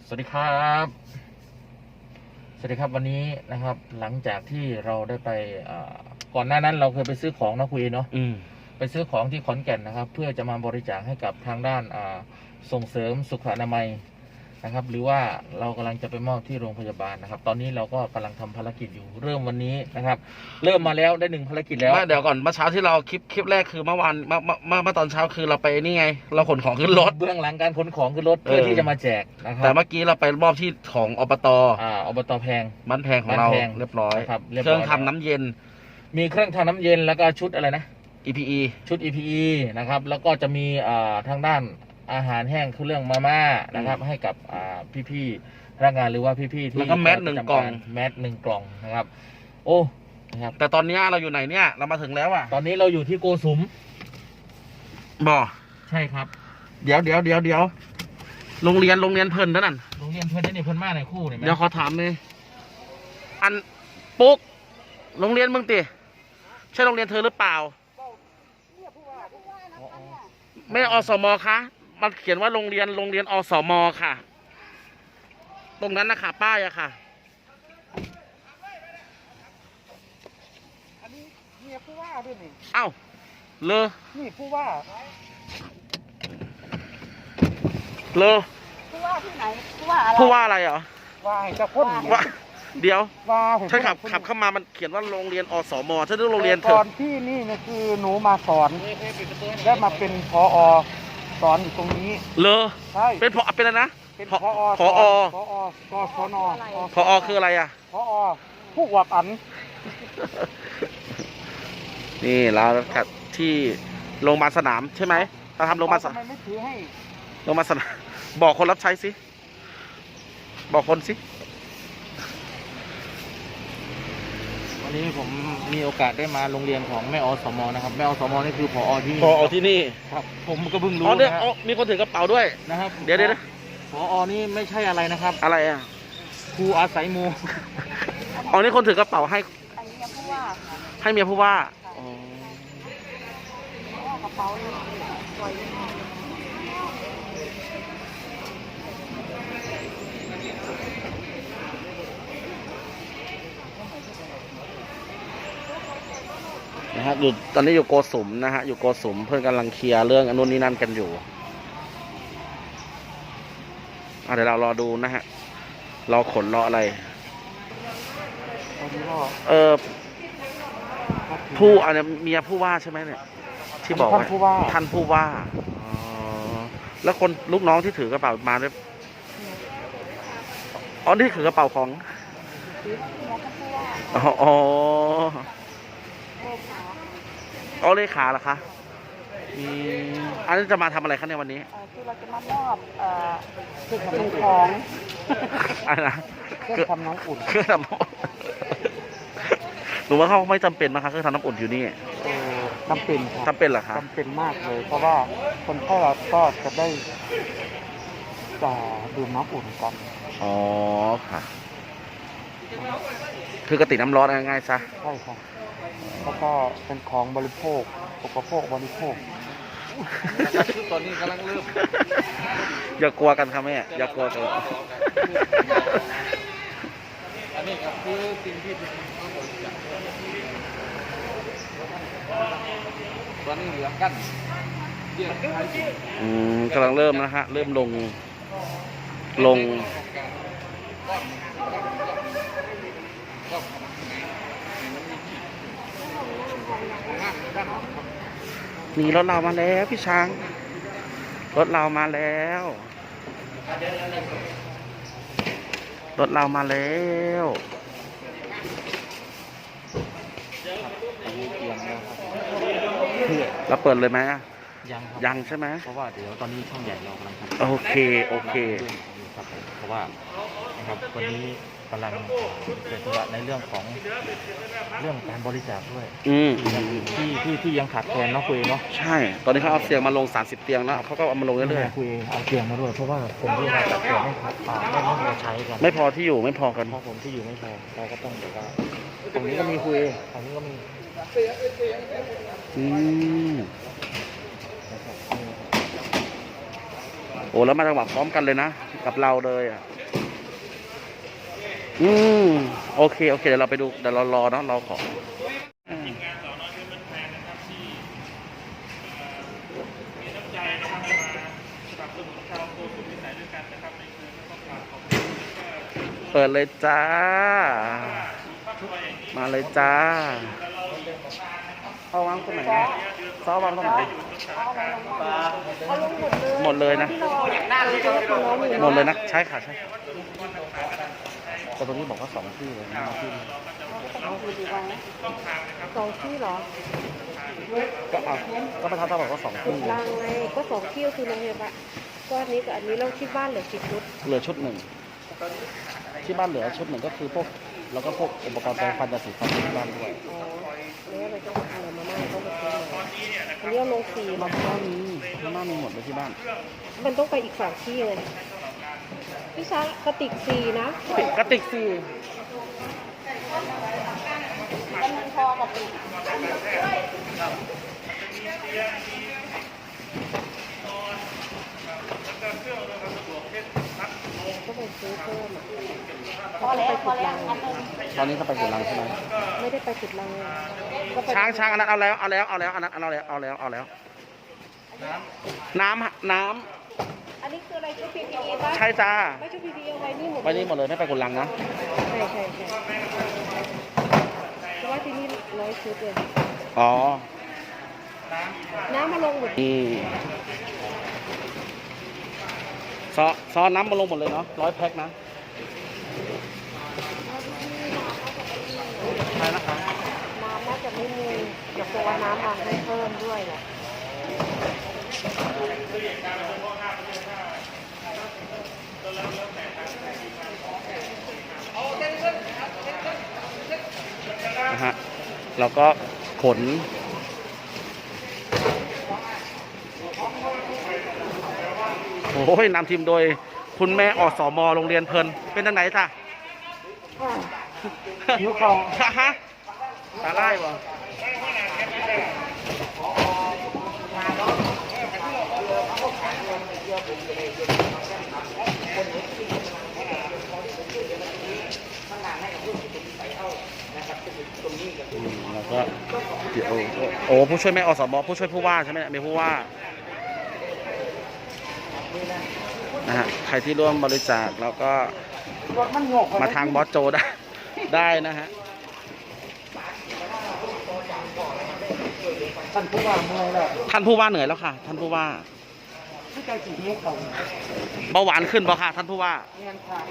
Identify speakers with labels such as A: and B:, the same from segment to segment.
A: สวัสดีครับสวัสดีครับวันนี้นะครับหลังจากที่เราได้ไปก่อนหน้านั้นเราเคยไปซื้อของนะคุยเนาะไปซื้อของที่ขอนแก่นนะครับเพื่อจะมาบริจาคให้กับทางด้านส่งเสริมสุขอนามัยนะครับหรือว่าเรากำลังจะไปมอบที่โรงพยาบาลนะครับตอนนี้เราก็กำลังทำภารกิจอยู่เริ่มวันนี้นะครับเริ่มมาแล้วได้1 ภารกิจแล้ว
B: เดี๋ยวก่อนเมื่อเช้าที่เราคลิปแรกคือเมื่อวานเมื่อตอนเช้าคือเราไปนี่ไงเราขนของขึ้นรถ
A: เบื้องหลังการขนของขึ้นรถเพื่อที่จะมาแจกนะครับ
B: แต่เมื่อกี้เราไปมอบที่ของอบต.
A: อบต.แพง
B: บ้านแพงของเราเรียบร้อย
A: ครับ
B: เครื่องทำน้ำเย็น
A: มีเครื่องทำน้ำเย็นแล้วก็ชุดอะไรนะ
B: EPE
A: ชุด EPE นะครับแล้วก็จะมีทางด้านอาหารแห้งคือเรื่องมาม่านะครับให้กับพี่ๆพนักงานหรือว่าพี่ๆที่
B: แล้วก็แมส1 กล่อง
A: 1 กล่องนะครับโอ้นะครับ
B: แต่ตอนนี้เราอยู่ไหนเนี่ยเรามาถึงแล้วอ่ะ
A: ตอนนี้เราอยู่ที่โกสุมใช่ครับ
B: เดี๋ยวโรงเรียนเพิ่นนั่น
A: โรงเรียนเพิ่นนี่เพิ่นมาในคู่เนี่ย
B: เดี๋ยวขอถามเลยอันปุ๊กโรงเรียนมึงติใช่โรงเรียนเธอหรือเปล่าไม่อสม.คะมันเขียนว่าโรงเรียนอสม.ค่ะตรงนั้นนะคะป้ายอะค่ะ
C: อันนี้เมียผู้ว่าด้วยนี่
B: เอ้าเลอ
C: นี่ผู้ว่า
B: เลอ
C: ผู้ว่าที่ไหนผู้ว่าอะไร
B: เหรอ
C: ว่าให้เจ้าพ่น
B: ว่าเดี๋ยว
C: ว่า
B: ฉันขับเข้ามามันเขียนว่าโรงเรียนอสม.ฉันนึกโรงเรียนเธอ
C: ตอนที่นี่เนี่ยคือหนูมาสอนได้มาเป็นผอ.สอนอยู่ตรงนี้
B: เลอ
C: ใช่
B: เป็นอะไรนะ
C: เป็น
B: ผอ.
C: กศน.
B: ผอ.คืออะไรอ่ะ
C: ผอ.ผู้วักอัน
B: นี่เราขัดที่โรงพยาบาลสนามใช่ไหมเราทำโรงพยาบาลสนาม
C: ทำไมไม่ถือให้
B: โรงพยาบาลสนามบอกคนรับใช้สิบอกคนสิ
A: วันนี้ผมมีโอกาสได้มาโรงเรียนของแม่อสม.นะครับแม่อสม.นี่คือผอ.ที่นี่
B: ที่นี่
A: ครับผมก็เพิ่งรู้
B: นะครับมีคนถือกระเป๋าด้วย
A: นะครับ
B: เดี๋ยว
A: ผอ.นี่ไม่ใช่อะไรนะครับ
B: อะไรอ่ะ
A: ครูอาศัยมู
B: นี่คนถือกระเป๋าให้
C: เมียผู้ว่า
B: ให้เมียผู้ว่
C: ากระเป๋าสวย
B: นะฮะอยู่ตอนนี้อยู่โกสุมนะฮะอยู่โกสุมเพื่อนกำลังเคลียร์เรื่องอนุนี้นั่นกันอยู่เดี๋ยวเรารอดูนะฮะรอขนรออะไรผู้อันนี้เมียผู้ว่าใช่ไหมเนี่ยที่บอกว่าท่านผู้ว่าแล้วคนลูกน้องที่ถือกระเป๋ามาด้วยนี่ถือกระเป๋าของเลขาเหรอคะอันนี้จะมาทำอะไรคะในวันนี้
C: คือเราจะมามอบสิ่งของ
B: อะไรนะ
C: เครื่องทำน้ำอุ่น
B: หรือว่าเขาไม่จำเป็นนะคะเครื่องทำน้ำอุ่นอยู่นี่
C: จำเป็น
B: จำเป็นเหรอคะ
C: จำเป็นมากเลยเพราะว่าคนไข้เราก็จะได้ดื่มน้ำอุ่นกัน
B: อ๋อค่ะคือกระติกน้ำร้อนง่ายๆซะ
C: ใช่ครับแล้วก็เป็นของบริโภคอุปโภคบริโภค
A: ตอนนี้กำลังเริ่ม
B: อย่ากลัวกันครับแม่อย่ากลัวกัน
A: อันนี้ครับคือสิ่งที่ตอนนี้เหลือกัน
B: กำลังเริ่มนะฮะเริ่มลงนี่รถเรามาแล้วพี่ช้างรถเรามาแล้วเราเปิดเลยไหมยังใช่ไหม
A: เพราะว่าเดี๋ยวตอนนี้ช่องใหญ่เรากำลังทำ
B: โอเค
A: ครับเพราะว่านะครับวันนี้กำลังเป็นธุระในเรื่องการบริจาคด้วยที่ยังขาดแคลนเนาะคุยเนาะ
B: ใช่ตอนนี้เขาเอาเตียงมาลง30 เตียงแล้วเขาก็เอามาลงเรื่อย
A: ๆคุยเอาเตียงมาด้วยเพราะว่าผมที่ขาดแคลนไม่พอใช้กัน
B: ไม่พอที่อยู่ไม่พอกัน
A: เพราะผมที่อยู่ไม่พอเราก็ต้องแบบว่าตรงนี้ก็มีคุยตรงนี้ก็มี
B: โอ้แล้วมาจังหวะพร้อมกันเลยนะกับเราเลยอืมโอเคโอเคเดี๋ยวเราไปดูเดี๋ยวเรารอเนาะเราขอเปิดเลยจ้า มาเลยจ้าเอาวางตรงไหนนะซอวางตรงไหนหมดเลยนะ หมดเลยนะ ใช่ค่ะใช่แต่ตรงนี้บอกว่า2 ที่เลยนะที่
D: 2 ที่เหรอ
B: ก็เอาก็ประธานตาบอกว่า2 ที่
D: ลังไงก็2 ที่ก็คือโรงพยาบาลก็อันนี้กับอันนี้เราที่บ้านเหลือกี่ชุด
B: เหลือชุด 1ที่บ้านเหลือชุด 1ก็คือพวกแล้วก็พวกอุปกรณ์แปรงฟันยาสีฟันที่บ้านด้วย
D: อ๋อแล้วเราต้องเอาอะไรมาม่าต้องมาซื้อมาอันนี้เอาลง4
B: มา
D: มา
B: ม่ามีหมดเลยที่บ้าน
D: มันต้องไปอีก2 ที่เลยพี่ช้างกระติก4นะ
B: กระติก4
D: ก็ไปซื้อเพิ่มอ่ะ
C: พอแล้วพอแล้ว
B: ตอนนี้เขาไปกุลังใช่ไหม
D: ไม่ได้ไปจุดลังก็ไป
B: ช้างอันนั้นเอาแล้วอันนั้นเอาแล้วน้ำ
D: อันนี้คืออะไรชุด PPE ป่ะ
B: ใช่จ้า
D: ไม่ชุด PPE เอาไว้นี่หมด
B: ไปนี่หมดเลยไม่ไปกุลังนะ
D: ใช่เพราะว่าที่นี่100 ชุดเลย
B: อ๋อ
D: น้ำมาลงหมด
B: นี่ซอน้ำมาลงหมดเลยเนาะ100 แพ็คนะใช่นะคะ
D: น้ำน่าจะไม่มีเดี๋ยวตัวน้ำมาให้เพิ่มด้วยแหละ
B: นะฮะเราก็ขนโอ้ยนำทีมโดยคุณแม่อสมโรงเรียนเพลินเป็นทางไหนจ้ะ
C: หิวเขา
B: ฮะตาไล่บ่แล้วก็เดี๋ยวโอ้ผู้ช่วยแม่อสมผู้ช่วยผู้ว่าใช่ไหมมีผู้ว่านะฮะใครที่ร่วมบริจาคแล้วก็
C: รถมันโยก
B: มาทางบอสโจได้นะฮะ
C: ท่านผู้ว่าเมื่อยแล้ว
B: ท่านผู้ว่าเหนื่อยแล้วค่ะ ท่านผู้ว่า
C: ที่ใจสีหิวเขา
B: เบาหวานขึ้นบ่ค่ะท่านผู้ว่า
C: เงินค่ะ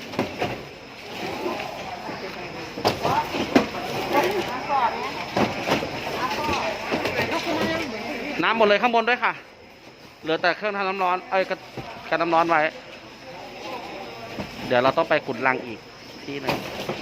B: น้ำหมดเลยข้างบนด้วยค่ะ เหลือแต่เครื่องทำน้ำร้อนกันน้ำร้อนไว้ เดี๋ยวเราต้องไปขุดรังอีกที่หนึ่ง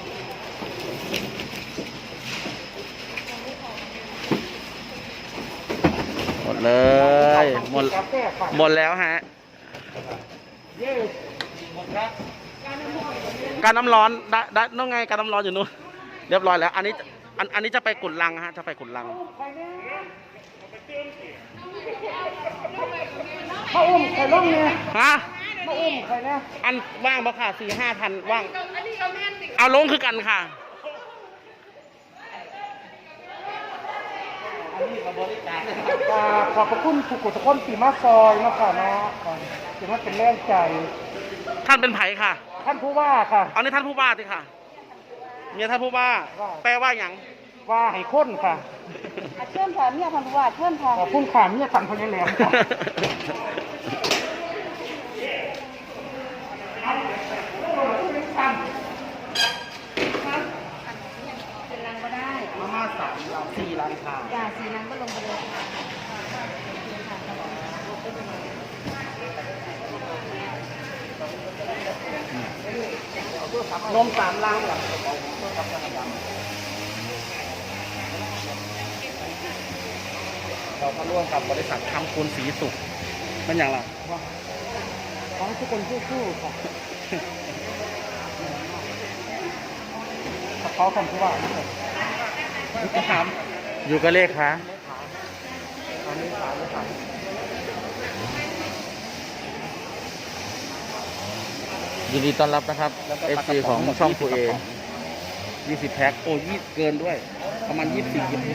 B: หมดเลยหมดแล้วฮะ
C: เย้หมดแล้ว
B: การน้ำร้อนได้นู่นไงการน้ำร้อนอยู่นู่นเรียบร้อยแล้ว อันนี้จะไปขุดรังฮะจะไปขุดรัง
C: มาอุ้มใครล่มเนี่ย
B: ฮะ
C: มาอุ้มใครนะ
B: อันว่างบ่ค่ะ4-5 พันว่างเอาลงคือกันค่ะ
C: ขอบพระคุณทุกคนทุกคนที่มาซอยมาค่ะเนาะถือว่าเป็นแรงใจ
B: ท่านเป็นไผ่ค่ะ
C: ท่านผู้ว่าค่ะ
B: เอาในท่านผู้ว่าสิค่ะเมียท่านผู้ว่า แปลว่าอย่าง
C: ว่าให้ค้นค่ะ
D: เชิญค่ะเนี่ยพันธุ์ว่าเชิญค่ะ
C: ขอบคุณค่ะเนี่ยสั่งพญาแหลมค่ะ
D: เป็นรังก็ได้
C: มาม่า4 ร้านค่ะ
D: อย่าสีรังก็ลงไปเลยค่ะ
C: นม3 ลังเหรอ
B: เราก็ร่วมกับบริษัททำคุณศรีสุขมันอย่างไร
C: ขอให้ทุกคนสู้ๆค่ะเขาคำที่ว่าจะถาม
B: อยู่กับเลขคะ
C: อันนี้ถามเลยค่ะ
A: ยินดีต้อนรับนะครับ
B: แล้วก็
A: FC ของช่องครูเอ
B: 20 แพ็คโอ้เกินด้วย ประมาณ 24 กิโล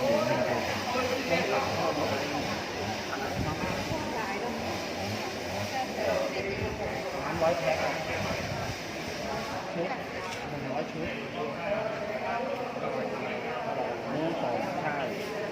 B: 100 แพ็คชุด100 ชุดนี่ของใช่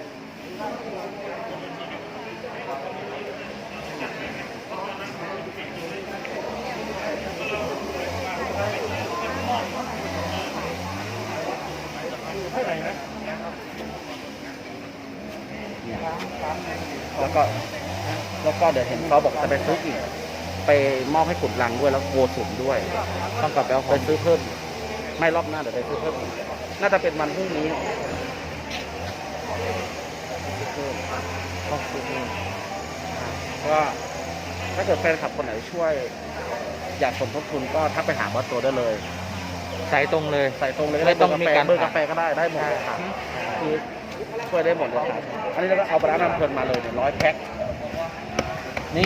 B: แล้วก็เดี๋ยวเห็นเขาบอกจะไปซื้ออีก ไปมอบให้ขุดรังด้วยแล้วโกสุมด้วย ต้องกลับไปซื้อเพิ่ม ไม่รอบหน้าเดี๋ยวไปซื้อเพิ่มอีกน่าจะเป็นวันพรุ่งนี้ก็ซื้อเพิ่มก็ถ้าเกิดแฟนคลับคนไหนช่วย อยากสมทบทุนก็ทักไปหาบอสโจได้เลย
A: ใส่ตรงเลย
B: ใส่ตรงเลย
A: ไม่ต้องมีการ
B: เบอร์กาแฟก็ได้หมดเลยค่ะคือช่วยได้หมดเลยครับอันนี้เราก็เอาปลาร้าน้ำเพลินมาเลยเนี่ย100 แพ็คนี่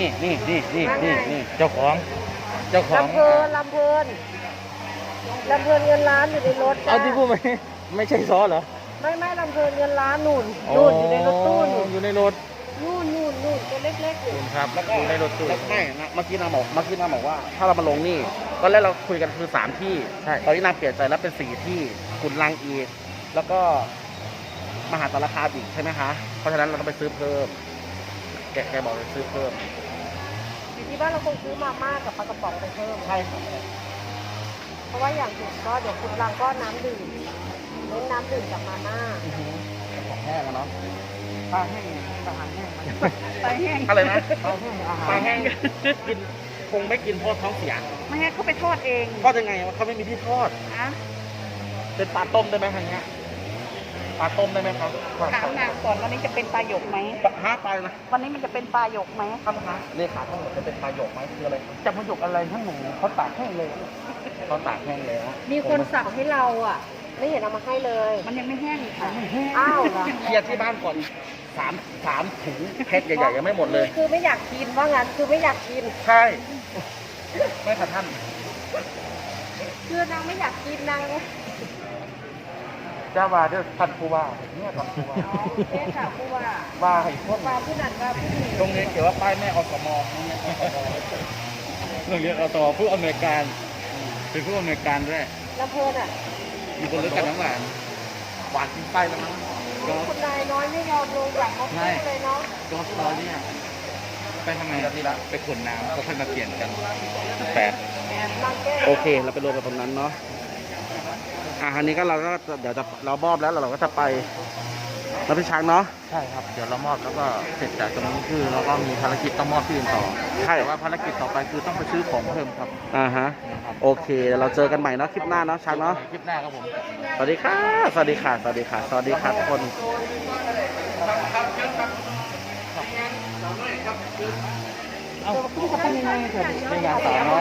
A: เจ้าของ
D: ลำเพลินลำเพลินลำเพลินเงินล้านอยู่ในรถจ้ะ
A: เอาที่พูดไม่ใช่ซอเหรอ
D: ไม่ลำเพลินเงินล้านนู่นอยู่ในรถตู้นู่น
A: อยู่ในรถ
D: นู่นตัวเล็กๆอยู่
A: ครับ
B: แล้วก็
A: อยู่ในรถตู้
B: แล้วไม่นะเมื่อกี้นางบอกว่า ถ้าเรามาลงนี่ตอนแรกเราคุยกันคือ3 ที่
A: ใช่
B: ตอนนี้นางเปลี่ยนใจแล้วเป็น4 ที่ขุนลังอีกแล้วก็มหาสารคามอีกใช่ไหมคะเพราะฉะนั้นเราต้องไปซื้อเพิ่มแกบอกจะซื้อเพิ่ม
D: อยู่ที่บ้านเราคงซื้อมาม่ากับปลากระป๋องไปเพิ่ม
B: ใช่ครับ
D: เพราะว่าอย่างอื่นก็เดี๋ยวคุณรังก็น้ำดื่มเน้นน้ำดื่มกับมาม่า
B: ของแห้งอะเนาะ
C: ปลาแห้งอาหารแห้ง
D: ไปแห้ง
B: อะไรนะ
C: ปลาแห้งอาหาร
B: ปลาแห้งกินคงไม่กินเพราะท้องเสีย
D: ไม่ให้เขาไปทอดเอง
B: ทอดยังไงวะเขาไม่มีที่ทอด
D: นะ
B: เป็นปลาต้มได้ไหมทางเนี้ยปลาต้มได้ไหมครับ
D: ถามนางก่อนวันนี้จะเป็นปลาหยกไหม
B: ปลานะ
D: วันนี้มันจะเป็นปลาหยกไหม
B: ท่านคะเลขาทั้งหมดจะเป็นปลาหยกไหมคืออะไรครับ
C: จะมาหยกอะไรทั้งหมูเขาตากแห้งเลย
B: เขาตากแห้งแล้ว
D: มีคนสั่งให้เราอ่ะ ไม่เห็นเอามาให้เลย มันยังไม่แห้งค่ะอ้าวเหรอ
B: เคลียร์ที่บ้านก่อนสามถุงแพ็คใหญ่ๆยังไม่หมดเลย
D: คือไม่อยากกินว่างั้นคือไม่อยากกิน
B: ใช่ไม่ค่ะท่าน
D: คือนางไม่อยากกินนาง
C: จ้าว่าเด้อท่านผู้ว่าเนี่ยท่านผู้ว่า
D: เอ๊ะค่ะผู้ว่า
C: ว่าให้คน
D: ว่าผู้นั้นว่าผู้นี้
B: ตรงนี้เขียนว่าป้ายแม่อสม
A: โรงเรียนอตผู้อำนวยการ เป็นผู้อำนวยการด้วย
D: ลำเพลินอ่ะ
A: มีคนรู้จักน้ำหวาน
B: หวานกินไส้แล้วมั้ง
D: คุณนายน้อยไม่ยอมลงจากรถตู้เลยเนาะ
A: ก็ตอนนี้ไปทำไมครับทีละไปขนน้ำก็ค่อยมาเปลี่ยนกัน8
D: นางแก้
B: โอเค เราไปรวมกันตรงนั้นเนาะอันนี้ก็เราก็เดี๋ยวเรามอบแล้วเราก็จะไปแล้วพี่ช้างเนาะ
A: ใช่ครับ เดี๋ยวเรามอบแล้วก็เสร็จจากตรงนี้คือเราก็มีภารกิจต้องมอบที่อื่นต่อ
B: ใช่
A: แต่ว่าภารกิจต่อไปคือต้องไปซื้อของเพิ่มครับ
B: ฮะโอเคเดี๋ยวเราเจอกันใหม่เนาะคลิปหน้าเนาะช้างเนาะ
A: คลิปหน้าครับผม
B: สวัสดีค่ะสวัสดีค่ะสวัสดีค่ะสวัสดีค่ะทุกคน
C: เอ้าคุณจะทำยังไงเถอะในงานสาว